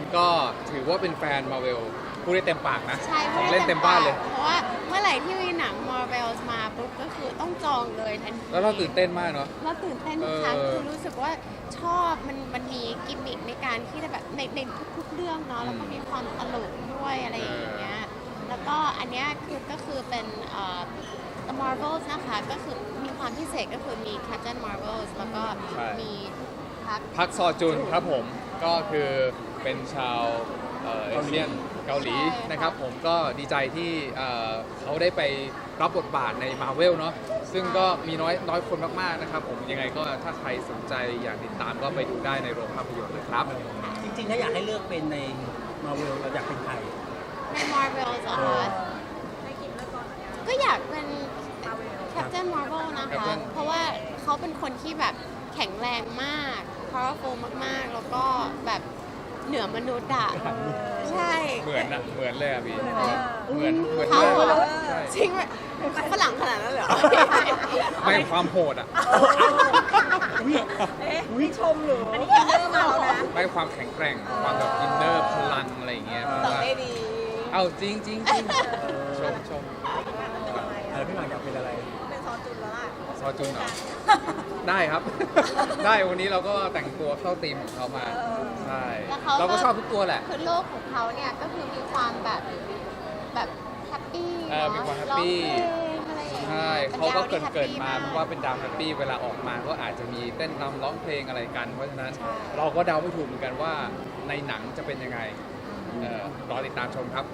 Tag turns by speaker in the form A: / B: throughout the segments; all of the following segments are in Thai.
A: คนก็ถือว่าเป็นแฟนมาเวลพูดได้เต็มปากนะ
B: ใช่
A: ของเล่นเต็มบ้านเลย
B: เพราะว่าเมื่อไหร่ที่มีหนัง Marvel มาปุ๊บก็คือต้องจองเลยทันที
A: แล้วเราตื่นเต้นมากเนาะ
B: เราตื่นเต้นทุกครั้ง
A: เออ
B: คือรู้สึกว่าชอบมันมีกิมมิคในการที่จะแบบในทุกๆเรื่องเนาะแล้วก็มีความตลกด้วยอะไรอย่างเงี้ยแล้วก็อันเนี้ยก็คือเป็นThe Marvels นะคะก็คือมีความพิเศษก็คือมี Captain Marvels แล้วก็มี
A: พักซอจุนครับผมก็คือเป็นชาวเอเชียนเกาหลีนะครับผมก็ดีใจที่เขาได้ไปรับบทบาทในมาเวลเนาะซึ่งก็มีน้อยคนมากๆนะครับผมยังไงก็ถ้าใครสนใจอยากติดตามก็ไปดูได้ในโรงภาพยนตร์เลยครับ
C: จริงๆถ้าอยากให้เลือกเป็นในมาเวลเราอยากเป็นใคร
B: ใน Marvels เหรอคะก็อยากเป็น Captain Marvel นะคะ
A: Captain
B: เพราะว่าเขาเป็นคนที่แบบแข็งแรงมาก powerful มากๆ แล้วก็แบบเหนือมนุษย์อะใช่
A: เหมือนนะเหมือนเลยอ่ะพี่เหมือน
B: เขา
A: มาก
B: เหรอ
A: ใช่
B: จริงไหมฝรั่งขนาดนั้นเหรอ
A: ไม่ความโหดอ่ะ
C: วิชมหรือ
D: อันนี้อินเนอร์มาแล้วนะ
A: ไม่ความแข็งแกร่งความแบบอินเนอร์พลังอะไรอย่างเงี้ย
B: ตอบได้ดี
A: เอาจริงจริงจริงชม
C: พี่หมากอยากเป็นอะไร
D: เป็นซอจุนแล้วล่ะ
A: ซอจุนเหรอได้ครับ ได้วันนี้เราก็แต่งตัวเข้าธีมของเขามาใช่
B: แล้วเขา
A: เราก็ชอบทุกตัวแหละ
B: คือโลกของเขาเนี่ยก็คือมีความแบบแฮปปี้
A: มีความแฮปปี้
B: อะไรอย่างเงี้ย
A: ใช่
B: ป็น
A: เขาก็
B: ดวที่
A: เกิด
B: แฮปปี้
A: มาเพราะว่าเป็นดาวแฮปปี้เวลาออกมาก็อาจจะมีเต้นรำร้องเพลงอะไรกัน เพราะฉะนั้น
B: ใช่
A: เราก็เดาไม่ถูกเหมือนกันว่าในหนังจะเป็นยังไงรอติดตามชมครับ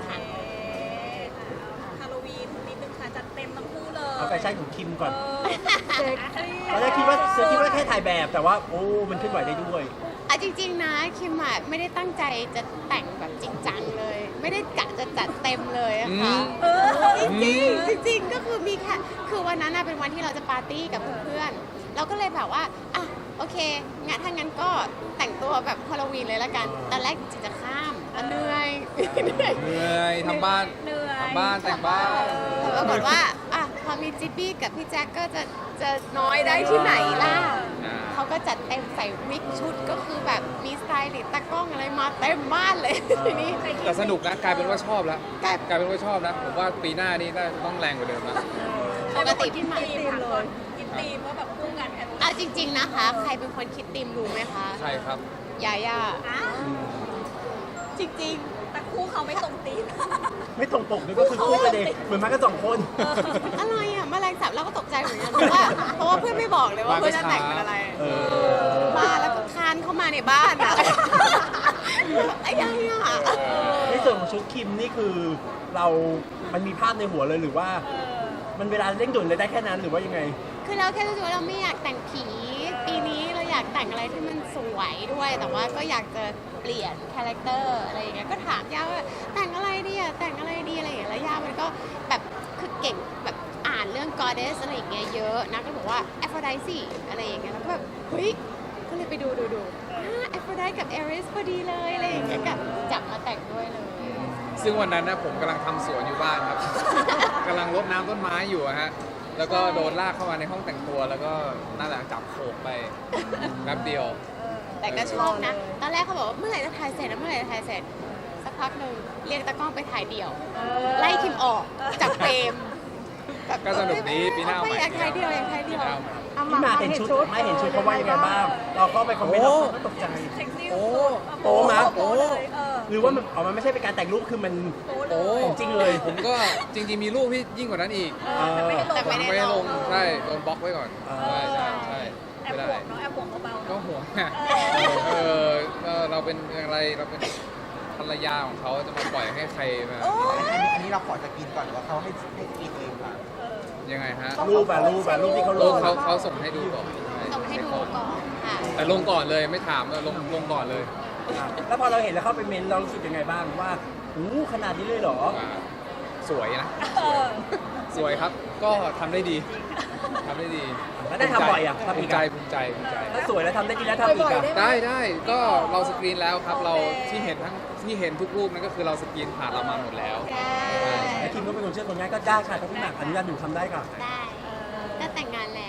D: ฮาโลวีนนิดนึงค่ะจัดเต็มทั้งคู่เลย
C: เอาแฟชั่นของคิมก่อน
D: เซ็ก
C: ตอนแรกคิดว่าแค่ถ่ายแบบแต่ว่าโอ้มันขึ้นไหวได้ด้วย
B: อ่ะจริงๆนะคิมอ่ะไม่ได้ตั้งใจจะแต่งแบบจริงจังเลย ไม่ได้กะจะจัดเต็มเลยอะค่ะ จริงๆก็คือมีแค่คือวันนั้นน่ะเป็นวันที่เราจะปาร์ตี้กับเพื่อนๆเราก็เลยแบบว่าอ่ะโอเคงั้นถ้างั้นก็แต่งตัวแบบฮาโลวีนเลยละกันตอนแรกจริงๆจะข้ามเหนื่อย
A: เหนื่อยทำบ้าน
D: เหนื่อย
A: ทำบ้านแต่งบ้าน
B: ปรากฏว่าอ่ะพอมีจิปปี้กับพี่แจ็คก็จะน้อยได้ที่ไหนล่ะ
A: อ่า
B: เขาก็จัดเต็มใส่วิกชุดก็คือแบบมีสไตลิสต์ตากล้องอะไรมาเต็มบ้านเลยทีนี้
A: แต่สนุกนะกลายเป็นว่าชอบแล้ว
B: กลาย
A: กลายเป็นว่าชอบนะผมว่าปีหน้านี่น่าจะต้องแรงกว่าเดิมนะ
B: ปกติที่มา
D: ทีมเลยกินทีมว่าแบบคู่กันแค่
B: อ่ะจริง ๆนะคะ ใครเป็นคนคิดธีมรู้ไหมคะ
A: ใช่ครับ
B: ยาย่า
D: อ้าว
B: จริง
D: แต่คู่เขาไม่ตรงตีม
C: ไม่ตรงปกด้วยก็คือคู่กันเองเหมือนมากันสองคน
B: ๆ อะไรอ่ะแมลงสาบเราก็ตกใจเหมือนกันเพราะว่าเพื่อนไม่บอกเลยว่าเพื่อนจะแต่งเป็นอะไร บ้านแล้วก็คานเข้ามาในบ้านอ่ะไอ้ยังอ่ะ
C: ในส่วนของชุดคิมนี่คือเรามันมีภาพในหัวเลยหรือว่า มันเวลาเร่งด่วนเลยได้แค่นั้นหรือว่ายังไง
B: คือเราแค่รู้สึกว่าเราไม่อยากแต่งผี ปีนี้เราอยากแต่งอะไรที่มันสวยด้วย แต่ว่าก็อยากจะเปลี่ยนคาแรคเตอร์อะไรอย่างเงี้ย ก็ถามย่าว่าแต่งอะไรดีอ่ะ แต่งอะไรดีอะไรอย่างเงี้ย แล้วย่ามันก็แบบคือเก่งแบบอ่านเรื่อง goddess อะไรอย่างเงี้ยเยอะนะ ก็บอกว่า Aphrodite อะไรอย่างเงี้ย แล้วก็แบบเฮ้ย ก็เลยไปดูAphrodite กับ Ares พอดีเลยอะไรอย่างเงี้ยก็จับมาแต่งด้วยเลย
A: ซึ่งวันนั้นนะผมกำลังทำสวนอยู่บ้านครับ กำลังรดน้ำต้นไม้อยู่อะฮะ แล้วก็โดนลากเข้ามาในห้องแต่งตัวแล้วก็นั่นแหละจับโขกไปแป๊บเดียว
B: แต่ก็ชอบนะ ตอนแรกเขาบอกว่าเมื่อไหร่จะถ่ายเสร็จนะเมื่อไหร่จะถ่ายเสร็จ สักพักหนึ่งเรียกตากล้องไปถ่ายเดี่ยว ไล่คิมออกจากเฟรมแบบ
A: ก็สนุกดีปีหน้าเอาใหม่
B: อยากถ่ายเดี่ยวอยากถ่ายเดี่ยว
A: ปีหน้าเอาใหม่
C: พี่มาเห็นชุดไม่เห็นชุดเขาว่ายังไงบ้าง เราเข้าไปคอมเมนต์เราก็ตกใจ
D: เซ็กซี่
A: โอ้
C: โป๊มา
D: โป๊เลย
C: หรือว่ามันมันไม่ใช่เป็นการแต่งรูปคือมัน
D: โป๊เล
A: โอ้
D: ย
C: ของจริงเลย
A: ผมก็จริงๆมีรูปที่ยิ่งกว่านั้นอีก
D: แต่ไม่ให้ลง
B: แต่ไม่ได้
A: ไม่ได้ลง
B: ลง
A: ใช่โดนบล็อกไว้ก่อนใช่ใช่ใช่
D: แอบ
A: ไม่
D: ห่
A: ได้
D: วงเนาะแอบห่วงเบาๆ
A: ก็
D: เนาะ
A: ห่วงไงเราเป็นอะไรเราเป็นภรรยาของเขาจะมาปล่อยให้ใครมา
E: อันนี้เราขอสกรีนก่อนหรือว่าเขาให้สกรีนเองค่ะ
A: ยังไงฮะ
C: รูปที่เขาล
A: ลู
C: ง
A: กเขาส่งให้ดูก่อน
B: ส่งให้ดูก่อนค่ะ
A: แต่ลงก่อนเลยไม่ถามลงก่อนเลย
C: แล้วพอเราเห็นแล้วเข้าไปเมนเรารู้สึกยังไงบ้างว่าอู้ขนาดนี้เลยเหรอ
A: สวยนะ สวยครับ ก็ทำได้ดีทำได้ดี
C: แล้วได้ทำบ่อยอ่ะทำ
A: ภู
C: อี
A: มิ
C: ก
A: ใจ
C: อ่ะ
A: ภูมิใจภูมิใจ
C: ถ้าสวยแล้วทำได้ดีแล้วทำอีกอ่ะ
A: ได้ก็เราสกรีนแล้วครับ เราที่เห็นทุกรูปนั่นก็คือเราสกรีนผ่านเรามาหมดแล้ว
C: แต่คิมก็เป็นคนเชื่อคนง่ายก็ได้ค่ะถ้าพี่หมากอนุญาตอยู่ทำได้ค่ะ
B: ได้ก็แต่งงานแล้ว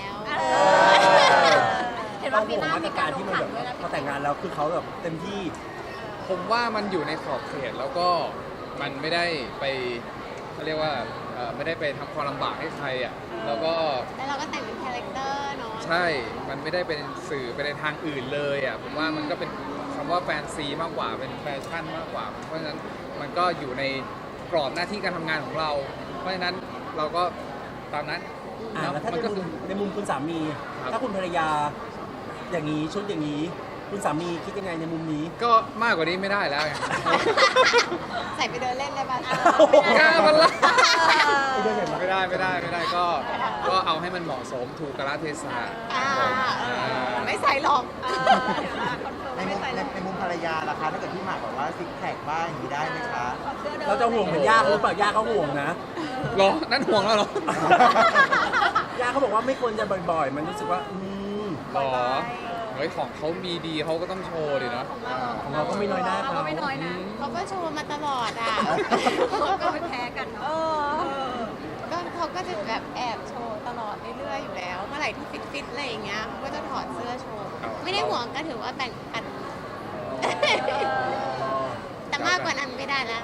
D: เห็น
C: เรา
D: ว่าปี
C: ห่วง
D: หน้า
C: มาต
D: มี
C: ร
D: กา
C: การ
D: รล
C: ที่
D: ง
C: มัน
D: ขั
C: แบ
D: น
C: บ
D: ด้วยนะ
C: พอแต่งงานแล้วคือเขาแบบเต็มที่
A: ผมว่ามันอยู่ในขอบเขตแล้วก็มันไม่ได้ไปเขาเรียกว่าไม่ได้ไปทำความลำบากให้ใครอ่ะแล้วก็
B: แล้วเราก็แต่งเป็นคาแรคเตอร์เนาะ
A: ใช่ มันไม่ได้เป็นสื่อไปในทางอื่นเลยอ่ะผมว่ามันก็เป็นคำว่าแฟนซีมากกว่าเป็นแฟชั่นมากกว่า เพราะฉะนั้นมันก็อยู่ในกรอบหน้าที่การทำงานของเรา เพราะฉะนั้นเราก็ตามนั้น
C: แล้วถ้า
A: มันก็คือ
C: ในมุมคุณสามี
A: ครับ
C: ถ้าคุณภรรยาอย่างนี้ชุดอย่างนี้ คุณสามีคิดยังไงในมุมนี้
A: ก็มากกว่านี้ไม่ได้แล้วไง
B: ใส่ไปเดินเล่นได้ปะ
A: กล้ามันละ
C: ไม่ได้เลยมั้ย
A: ไม่ได้ก็เอาให้มันเหมาะสมถูกกาลเทศะ
B: ไม่ใส่หรอก
E: ในมุมภรรยาล่ะคะถ้าเกิดพี่หมากบอกว่าซิกแพคบ้างอย่างนี้ได้ไหมคะ
C: เราจะห่วงเหมือนย่าเขาหรือเปล่าย่าเขาห่วงนะ
A: หรอ นั่นห่วงแล้วเหรอ
C: ย่าเขาบอกว่าไม่ควรจะบ่อยๆ มันรู้สึกว่า
A: หรอเฮ้ยของเขามีดีเขาก็ต้องโชว์ดิเนาะ
C: ของเราก็ไม่น้อยหน้า
D: เรา
C: เขา
D: ก็ไม่น้อยนะ
B: เขาก็โชว์มาตลอดอ่ะ
D: เราก็ไม่แพ้กันเนาะ
B: ก็เขาก็จะแบบแอบโชว์ตลอดเรื่อยๆอยู่แล้ว เมื่อไหร่ที่ฟิตๆอะไรอย่างเงี้ยเขาก็จะถอดเสื้อโชว์ ไม่ได้ห่วงก็ถือว่าแบ่งกัน แต่มากกว่านั้นไม่ได้แล้ว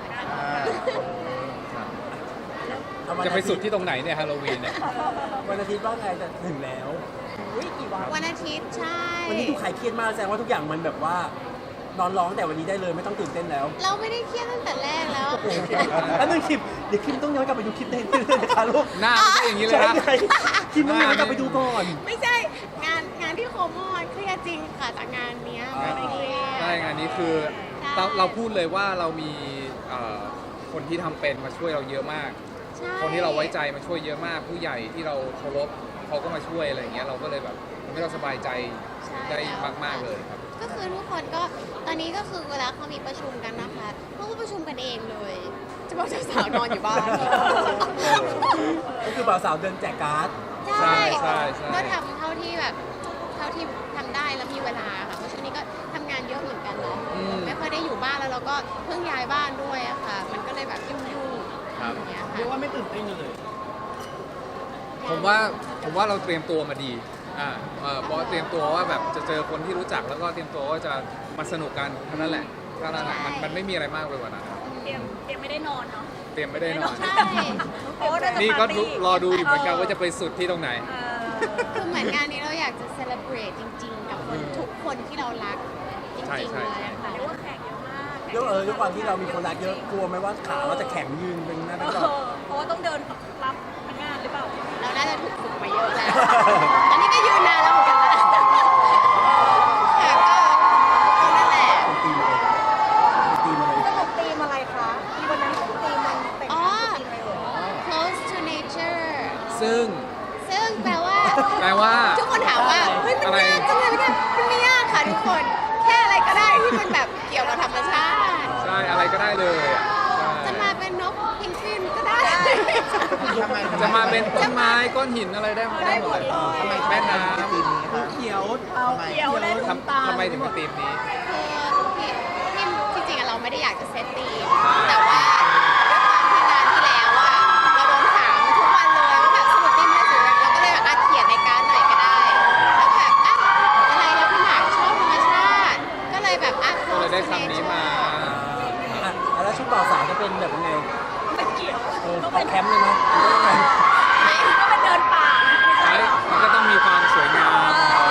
A: จะไปสุดที่ตรงไหนเนี่ยฮาโลวีนเนี่ย
C: วันอาทิตย์ว่าไงแต่ถึงแล้ว
B: วันอาทิตย์ใช่
C: วันนี้ดูขายเครียดมากแสดงว่าทุกอย่างมันแบบว่านอนร้องแต่วันนี้ได้เลยไม่ต้องตื่นเต้นแล้ว
B: เราไม่ได้เครียดตั้งแต่แรกแล้ว
C: แล้วนึงคลิปเดี๋ยวคลิปต้องย้อนกลับไปดูคลิปได้เลยนะคะลูก
A: หน้าไม่ใช่อย่างนี้เลย
C: ใช่
A: นะ
C: ไงคลิปต้องย้อนกลับไปดูก่อน
B: ไม่ใช่งานที่โคโมอนเครียดจริงค่ะจากงานเนี้ยไม่ได้เครียด
A: ใช่งานนี้คือ
B: ใช่
A: เราพูดเลยว่าเรามีคนที่ทำเป็นมาช่วยเราเยอะมาก
B: ใช่
A: คนที่เราไว้ใจมาช่วยเยอะมาก ผู้ใหญ่ที่เราเคารพเขาก็มาช่วยอะไรอย่างเงี้ยเราก็เลยแบบทำให้เราสบายใจ
B: ใช่
A: ได้มากๆเลยครับ
B: ก็คือทุกคนก็ตอนนี้ก็คือเวลาเขามีประชุมกันนะคะเขาก็ประชุมกันเองเลย จะบอกเจ้าสาวนอนอยู่บ้าน
C: ก็คือบ่าวสาวเดินแจกการ์ด
A: ใช่ใช่
B: ก็ทำเท่าที่แบบเท่าที่ทำได้แล้วมีเวลาค่ะเพราะช่วงนี้ก็ทำงานเยอะเหมือนกันเนาะไม่ค่อยได้อยู่บ้านแล้วเราก็เพิ่งย้ายบ้านด้วยอะค่ะ มันก็เลยแบบยุ่งๆอย่างเงี้ยค่ะ
C: เรียกว่าไม่ตื่นเต้นเลย
A: ผมว่าเราเตรียมตัวมาดีเพราะเตรียมตัวว่าแบบจะเจอคนที่รู้จักแล้วก็เตรียมตัวว่าจะมาสนุกกันเท่านั้นแหละมันไม่มีอะไรมากไปกว่านั้นครับ
D: เตรียมไม่ได้นอนเนาะ
A: เตรียมไม่ได้นอน
B: ใช่
D: โอ้น่าจะ
A: นี่ก็
D: ปาร์ตี้
A: รอดูอยู่เหมือนกันว่าจะไปสุดที่ตรงไหน
B: คือเหมือนงานนี้เราอยากจะเซเลบรตจริง ๆ กับคนทุกคนที่เรารักจ
A: ใช่
B: ริง
A: ใช่
B: ๆเลยอะค่ะ
D: เรียกว่าแขกเยอะมาก
C: ด้วยความที่เรามีคนรักเยอะกลัวไหมว่าขาเราจะแข็งยืนเป็นหน้าเป็นจอ
D: เพราะว่าต้องเดินรับพนักงานหรือเปล่า
B: เราน่าจะถูกฝึกมาเยอะแล้ว อันนี้ก็ยืนนานแล้วเหมือนกันนะค่ะก็นั่นแหละ
C: ตีมาเลยตีมาเลย
D: สรุปธีมอะไรคะที่วันนั้นธีมมันแต่ง
B: อ๋อ
D: ธีมอะไรเหรอ
B: close to nature
A: ซึ่ง
B: ซึ่งแปลว่า ทุกคนถามว่า เฮ้ย มันยากจังเลยมันไม่ยากค่ะทุกคน แค่อะไรก็ได้ที่มันแบบเกี่ยวกับธรรมชาติ
A: ใช่อะไรก็ได้เลยอ่ะใช่
B: จะมาเป็นนกพิงกวินก็ได้
A: จะมาเป็นต้นไม้ก้อนหินอะไรได้หมดเลย
E: ทำไม
A: แม่น้
E: ทีมนี้คะ
C: เขียว
D: เอาเขียวและ
A: ำ
D: น้ำตาล
A: ทำไมถึงเป็นธีมนี้
B: คือที่จริงๆเราไม่ได้อยากจะเซตตีมแต่ว่าด้วยความที่งานที่แล้วอะเราโดนถามทุกวันเลยว่าแบบสรุปตีมอะไรสวยเราก็เลยแบบเขียนในการดหน่อยก็ได้แล้วแบบอะไรแล้วพี่หมากชอบธรรมชาติ ก็เลยแบบ
A: ก็เลยได้คำนี้มา
C: แล้วชุดบ่าวสาวจะเป็นแบบยังไง
D: เป็นเขียว
C: ออกแคมป์เลยไหมหรือว่ายังไง
D: ก็เป็นเดินป่านะ
A: ใช่มันก็ต้องมีความสวยงาม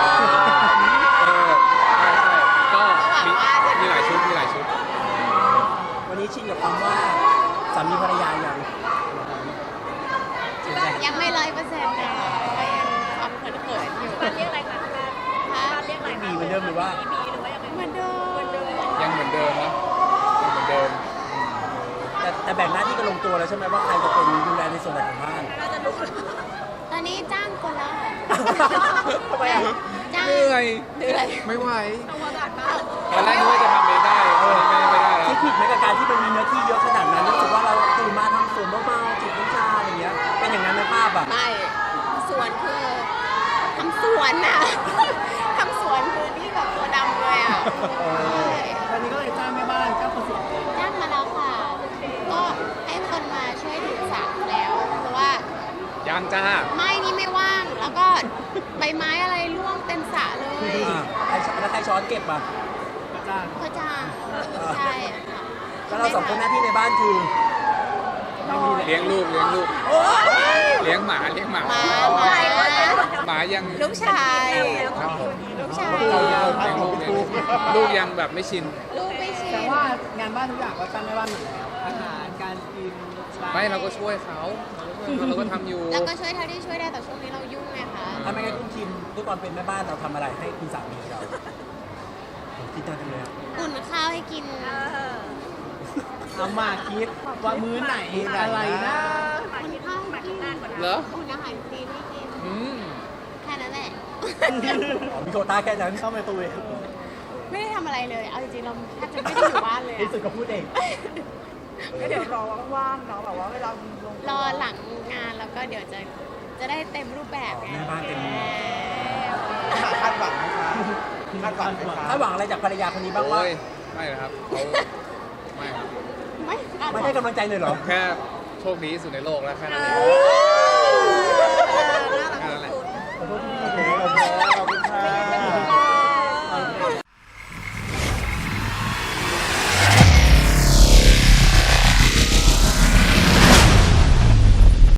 A: ใช่ก็มีหลายชุด
C: วันนี้ชินกับคำว่าสามีภรรยาอย่าง
B: ยังไม่100%เลยก็ยังความเขินๆอยู่
D: บ้านเรียกอะไรคะบ้านเรียกอะไร
C: มีเหมือนเดิมหรือว่า
D: มีหรือว่ายังไง
B: เหมือนเดิม
A: ยังเหมือนเดิมนะยังเหมือนเดิม
C: แต่แบ่งหน้าที่กันลงตัวแล้วใช่ไหมว่าใครจะเป็นดูแลในส่วนไหนของบ้าน
D: น่าจะรู้
B: ตอนนี้จ้างคนแล้ว
C: ทำไมอ่ะ
B: จ้าง
A: เหนื่อย
B: เหนื่อย
A: ไม่ไหว
D: ต้องวางการบ้าน
A: ตอนแรกนึกว่าจะทำเองได้ไม่ได้แล้ว
C: คิดผิดไหมกับการที่มันมีเนื้อที่เยอะขนาดนั้นรู้สึกว่าเราตื่นมาทำสวนเบาๆจิบน้ำชาอะไรอย่างเงี้ยเป็นอย่างนั้นในภาพอ่ะ
B: ไม่สวนคือทำสวนน่ะ ทำสวนคือที่แบบตัวดำเลยอ่ะใช่
C: วันนี้ก็เลยจ้างแม่บ้านจ้างคนสวน
B: จ้างมาแล้วค่ะ ก็ให้คนมาช่วยดูสระแล้ว เพราะว่า
A: ยังจ้า
B: ไม้นี่ไม่ว่าง แล้วก็ใบไม้อะไรร่วงเต็มสระเลย
C: แล้วใครช้อนเก็บอ่ะจ้าง
B: เขาจ้างใช่ค่ะ
C: แล้วเราสองคนหน้าที่ในบ้านคือ
A: เลี้ยงลูกเลี้ยงหมา
B: หมา
A: หมายัง
B: ลูกชาย
A: ครับผม
B: ลูกชาย
A: ลูกยังแบบไม่ชิน
B: ลูกไม่ชิน
F: แต่ว่างานบ้านทุกอย่างก็ตั้งในบ้านหมดแล้วอาหารการกิน
A: ไม่เราก็ช่วยเขาเราก็ทำอยู่
B: แล้วก็ช่วยเท่าที่ช่วยได้แต่ช่วงนี้เรายุ่งไงคะ
C: ทำไมงั้นคุณคิมด้วยความเป็นแม่บ้านเราทำอะไรให้คุณสามีเราผมคิดจังเลยอะ
B: อุ่นข้าวให้กิน
F: เอามาคิดว่ามื้อไหนอะไรนะ
B: อุ่นข้าวให้กิน
A: เหรอ
B: อุ่นอาหารจีนให้กิน
A: อืม
B: แค่นั้นแหละ
C: อ๋อมีโควต้าแค่นั้น
F: เข้าไมโครเวฟ
B: ไม่ได้ทำอะไรเลย เอาจริงๆเราแทบจะไม่ได้อยู่บ้านเลย
C: ที่
B: อะ
C: สุดก็พูดเอง
D: ก็เดี๋ยวรอว่างๆเนาะแบบว่าเวลาลง
B: รอหลังงานแล้วก็เดี๋ยวจะได้เต็มรูปแบบไง
C: แม่บ้านเต็ม
E: คาดหวังไหมคะคาดหวังไหมคะ
C: ถ้าหวังอะไรจากภรรยาคนนี้บ้างว่า
A: โอ้ยไม่นะครับเขาไม่ครับ
B: ไม่
C: ไม่ให้กำลังใจเลยเหรอ
A: แค่โชคดีที่สุดในโลกแล้วแค่นั้นเอง
B: เออ